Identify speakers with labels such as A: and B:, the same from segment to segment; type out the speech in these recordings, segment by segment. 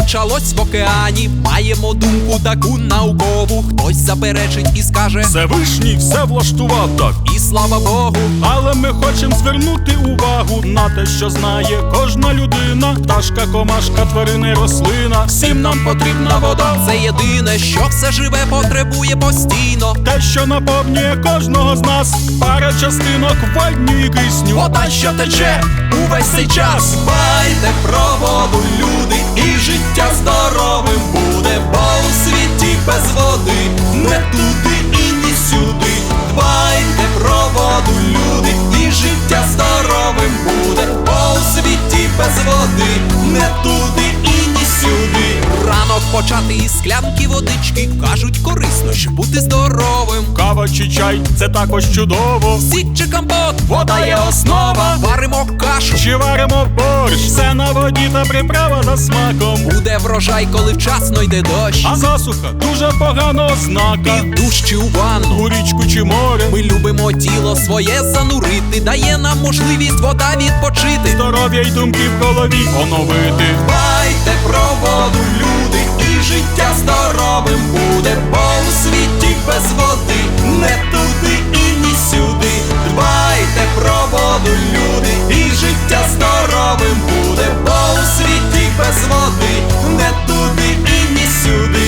A: почалось в океані. Маємо думку таку наукову. Хтось заперечить і скаже:
B: Всевишній все влаштував так.
A: і слава Богу.
B: Але ми хочемо звернути увагу на те, що знає кожна людина. Пташка, комашка, тварина й рослина. Всім нам потрібна вода.
A: Це єдине, що все живе потребує постійно.
B: Те, що наповнює кожного з нас. Пара частинок водню і кисню.
A: Вода, що тече увесь цей час. Дбайте про воду, люди, і життя здоровим буде. Бо у світі без води не туди і ні сюди. Дбайте про воду, люди, і життя здоровим буде. Бо у світі без води не туди і ні сюди. Ранок почати із склянки водички. Кажуть, корисно, щоб бути здоровим.
B: Кава чи чай – це також чудово.
A: Сік чи компот, вода є основа. Варимо кашу,
B: Чи варимо борщ, все на воді та приправа за смаком.
A: буде врожай, коли вчасно йде дощ.
B: А засуха дуже погана ознака.
A: І душ чи у ванну
B: У річку чи море.
A: ми любимо тіло своє занурити. Дає нам можливість вода відпочити.
B: Здоров'я й думки в голові оновити.
A: Дбайте про воду, люди, і життя здоровим буде. Бо у світі без води не туди і ні сюди. Дбайте про воду, люди, і життя здоровим буде. Бо у світі без води не туди і ні сюди.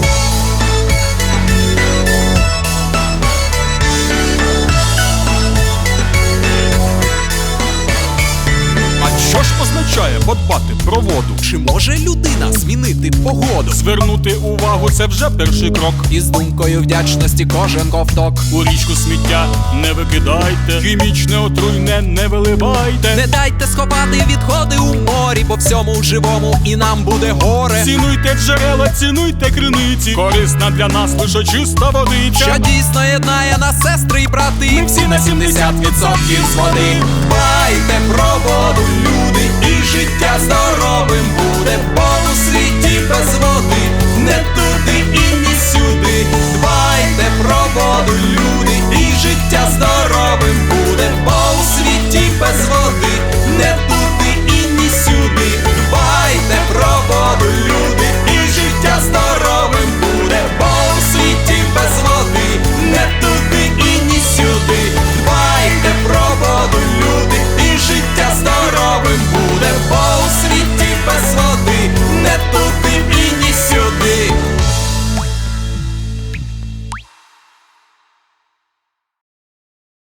B: А що ж означає подбати про воду?
A: Чи може людина змінити погоду?
B: Звернути увагу – це вже перший крок.
A: Із думкою вдячності кожен ковток.
B: У річку сміття не викидайте, хімічне отруйне не виливайте.
A: Не дайте сховати відходи у морі, по всьому живому і нам буде горе.
B: Цінуйте джерела, цінуйте криниці. Корисна для нас лише чиста водичка.
A: Що дійсно єднає нас, сестри і брати.
B: Ми всі на 70%
A: з води. Дбайте про воду, люди, і життя здоровим буде. Бо у світі без води не туди і ні сюди. Дбайте про воду,